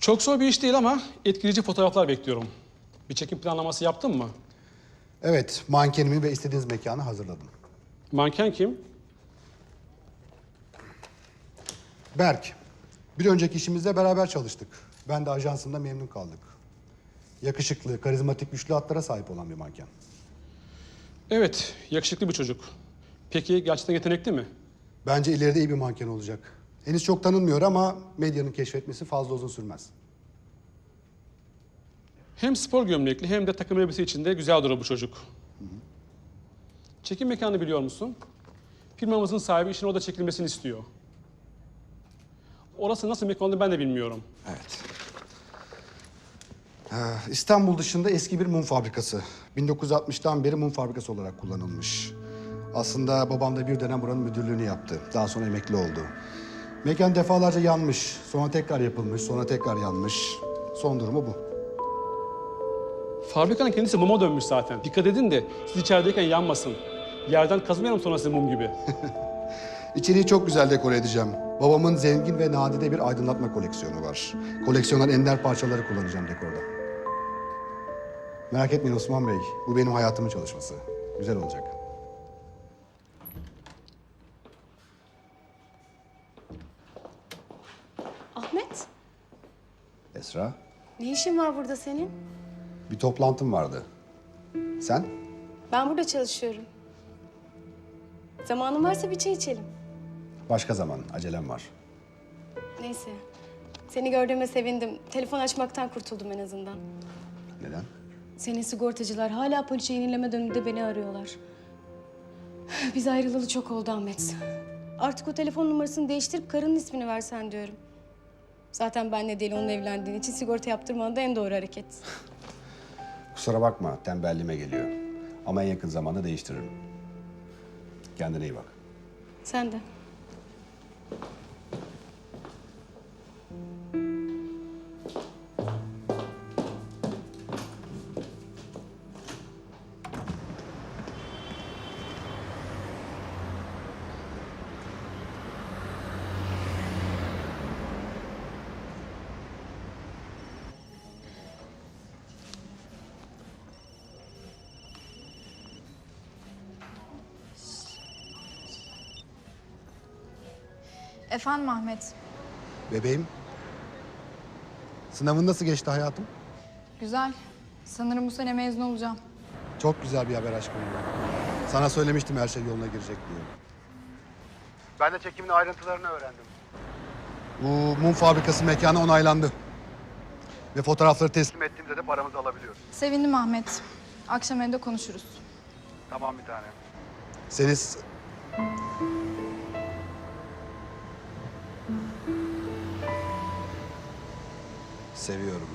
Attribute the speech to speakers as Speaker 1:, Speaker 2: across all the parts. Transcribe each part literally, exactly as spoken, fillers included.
Speaker 1: Çok zor bir iş değil ama etkileyici fotoğraflar bekliyorum. Bir çekim planlaması yaptın mı?
Speaker 2: Evet, mankenimi ve istediğiniz mekanı hazırladım.
Speaker 1: Manken kim?
Speaker 2: Berk, bir önceki işimizde beraber çalıştık. Ben de ajansımda memnun kaldık. Yakışıklı, karizmatik, güçlü hatlara sahip olan bir manken.
Speaker 1: Evet, yakışıklı bir çocuk. Peki gerçekten yetenekli mi?
Speaker 2: Bence ileride iyi bir manken olacak. Henüz çok tanınmıyor ama medyanın keşfetmesi fazla uzun sürmez.
Speaker 1: Hem spor gömlekli hem de takım elbise içinde güzel durur bu çocuk. Hı hı. Çekim mekanı biliyor musun? Firmamızın sahibi işin orada çekilmesini istiyor. Orası nasıl mekan olduğunu ben de bilmiyorum.
Speaker 2: Evet. Ee, İstanbul dışında eski bir mum fabrikası. bin dokuz yüz altmıştan beri mum fabrikası olarak kullanılmış. Aslında babam da bir dönem buranın müdürlüğünü yaptı. Daha sonra emekli oldu. Mekan defalarca yanmış, sonra tekrar yapılmış, sonra tekrar yanmış. Son durumu bu.
Speaker 1: Fabrikanın kendisi muma dönmüş zaten. Dikkat edin de siz içerideyken yanmasın. Yerden kazımayalım sonra size mum gibi.
Speaker 2: İçeriği çok güzel dekore edeceğim. Babamın zengin ve nadide bir aydınlatma koleksiyonu var. Koleksiyondan ender parçaları kullanacağım dekorda. Merak etmeyin Osman Bey, bu benim hayatımın çalışması. Güzel olacak.
Speaker 3: Ahmet,
Speaker 2: Esra,
Speaker 3: ne işin var burada senin?
Speaker 2: bir toplantım vardı. Sen?
Speaker 3: Ben burada çalışıyorum. Zamanın varsa bir çay içelim.
Speaker 2: Başka zaman, acelem var.
Speaker 3: Neyse. Seni gördüğüme sevindim. Telefon açmaktan kurtuldum en azından.
Speaker 2: Neden?
Speaker 3: Senin sigortacılar hala poliçe yenileme döneminde beni arıyorlar. Biz ayrılalı çok oldu Ahmet. Artık o telefon numarasını değiştirip karının ismini versen diyorum. Zaten benle değil onun evlendiğin için sigorta yaptırman da en doğru hareket.
Speaker 2: Kusura bakma, tembelliğime geliyor. Ama en yakın zamanda değiştiririm. Kendine iyi bak.
Speaker 3: Sen de.
Speaker 4: Efendim Ahmet.
Speaker 2: Bebeğim, sınavın nasıl geçti hayatım?
Speaker 4: Güzel. Sanırım bu sene mezun olacağım.
Speaker 2: Çok güzel bir haber aşkım. Sana söylemiştim her şey yoluna girecek diye. Ben de çekimin ayrıntılarını öğrendim. Bu mum fabrikası mekanı onaylandı. Ve fotoğrafları teslim ettiğimde de paramızı alabiliyoruz.
Speaker 4: Sevindim Ahmet. Akşam evde konuşuruz.
Speaker 2: Tamam bir tane. Seni... s- Seviyorum.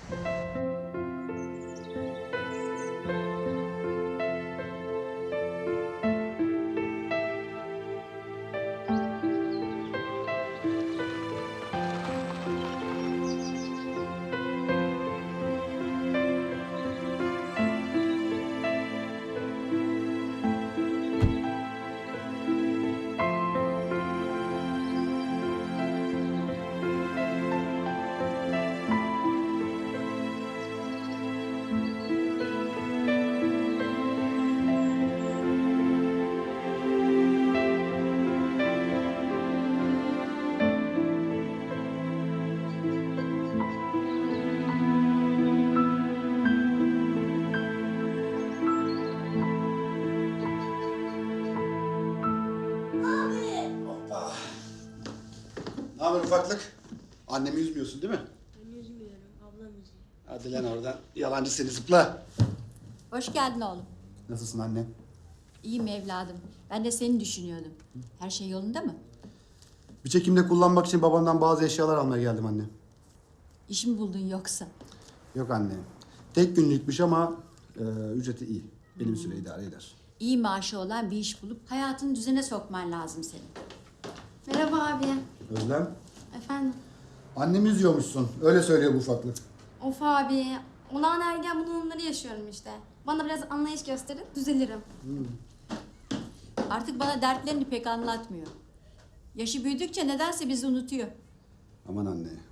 Speaker 2: Ne haber ufaklık? Annemi üzmüyorsun değil mi?
Speaker 5: Ben üzmüyorum, ablam üzüyor.
Speaker 2: Hadi lan oradan. Yalancı seni zıpla.
Speaker 5: Hoş geldin oğlum.
Speaker 2: Nasılsın anne?
Speaker 5: İyiyim evladım. Ben de seni düşünüyordum. Her şey yolunda mı?
Speaker 2: Bir çekimde kullanmak için babandan bazı eşyalar almaya geldim anne.
Speaker 5: İş mi buldun yoksa?
Speaker 2: Yok anne. Tek günlükmüş ama e, ücreti iyi. Benim süre idare eder.
Speaker 5: İyi maaşı olan bir iş bulup hayatını düzene sokman lazım senin.
Speaker 4: Merhaba abi.
Speaker 2: Özlem,
Speaker 4: Efendim.
Speaker 2: annemi üzüyormuşsun. Öyle söylüyor bu ufaklık.
Speaker 4: Of abi. Olağan ergen bunalımları yaşıyorum işte. Bana biraz anlayış gösterin, düzelirim.
Speaker 5: Artık bana dertlerini pek anlatmıyor. Yaşı büyüdükçe nedense bizi unutuyor.
Speaker 2: Aman anne,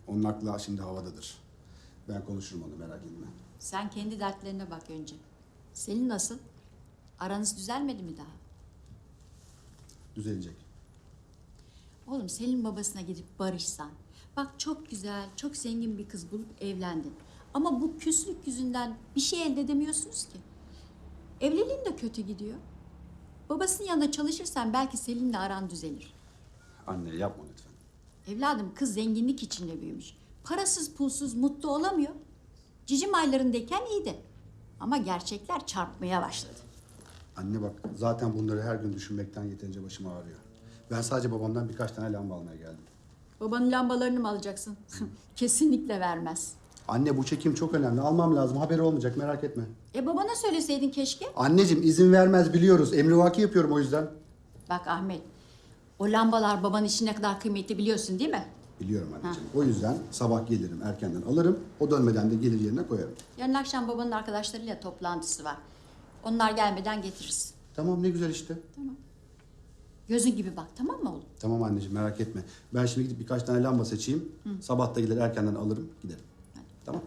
Speaker 2: Onun aklı şimdi havadadır. Ben konuşurum onu, merak etme.
Speaker 5: Sen kendi dertlerine bak önce. Selin nasıl? Aranız düzelmedi mi daha?
Speaker 2: Düzelecek.
Speaker 5: Oğlum Selin babasına gidip barışsan. Bak çok güzel, çok zengin bir kız bulup evlendin. Ama bu küslük yüzünden bir şey elde edemiyorsunuz ki. Evliliğin de kötü gidiyor. Babasının yanında çalışırsan belki Selin'le aran düzelir.
Speaker 2: Anne yapma lütfen.
Speaker 5: Evladım kız zenginlik içinde büyümüş. Parasız pulsuz mutlu olamıyor. Cicim aylarındayken iyiydi. Ama gerçekler çarpmaya başladı.
Speaker 2: Anne bak, zaten bunları her gün düşünmekten yeterince başım ağrıyor. Ben sadece babamdan birkaç tane lamba almaya geldim.
Speaker 5: Babanın lambalarını mı alacaksın? Kesinlikle vermez.
Speaker 2: Anne bu çekim çok önemli. Almam lazım. Haberi olmayacak, merak etme.
Speaker 5: E babana söyleseydin keşke.
Speaker 2: Anneciğim izin vermez, biliyoruz. Emrivaki yapıyorum o yüzden.
Speaker 5: Bak Ahmet, o lambalar babanın için ne kadar kıymetli biliyorsun değil mi?
Speaker 2: Biliyorum anneciğim. O yüzden sabah gelirim, erkenden alırım. O dönmeden de gelir yerine koyarım.
Speaker 5: Yarın akşam babanın arkadaşlarıyla toplantısı var. Onlar gelmeden getiririz.
Speaker 2: Tamam, ne güzel işte.
Speaker 5: Gözün gibi bak, tamam mı oğlum?
Speaker 2: Tamam anneciğim, merak etme. Ben şimdi gidip birkaç tane lamba seçeyim. Sabah da gelir erkenden alırım, giderim. Tamam.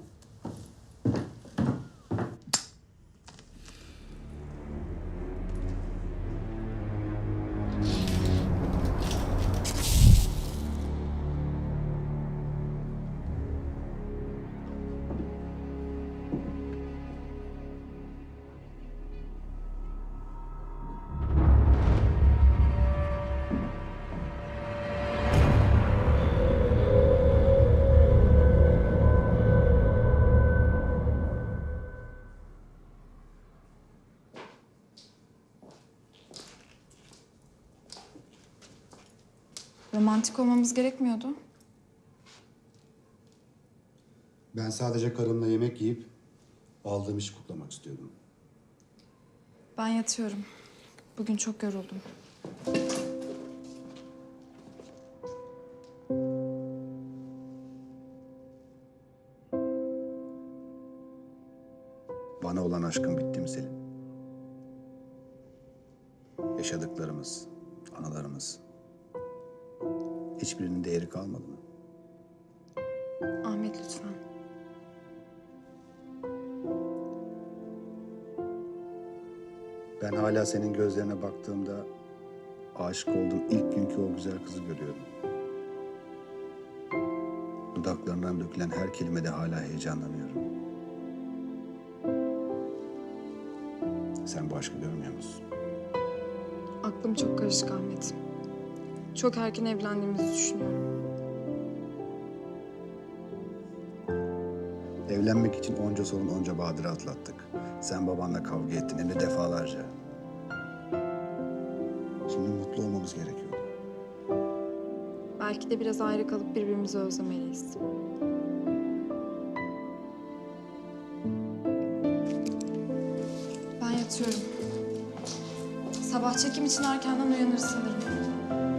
Speaker 6: Romantik olmamız gerekmiyordu.
Speaker 2: Ben sadece karımla yemek yiyip aldığım işi kutlamak istiyordum.
Speaker 6: Ben yatıyorum. Bugün çok yoruldum.
Speaker 2: Bana olan aşkın bitti mi Selin? Yaşadıklarımız, anılarımız, hiçbirinin değeri kalmadı mı?
Speaker 6: Ahmet lütfen.
Speaker 2: Ben hala senin gözlerine baktığımda aşık olduğum ilk günkü o güzel kızı görüyorum. Dudaklarından dökülen her kelimede hala heyecanlanıyorum. Sen bu aşkı görmüyor musun?
Speaker 6: Aklım çok karışık Ahmet. Çok erken evlendiğimizi düşünüyorum.
Speaker 2: Evlenmek için onca sorun, onca badire atlattık. Sen babanla kavga ettin, hem de defalarca. Şimdi mutlu olmamız gerekiyordu.
Speaker 6: Belki de biraz ayrı kalıp birbirimizi özlemeliyiz. Ben yatıyorum. Sabah çekim için erkenden uyanır sanırım.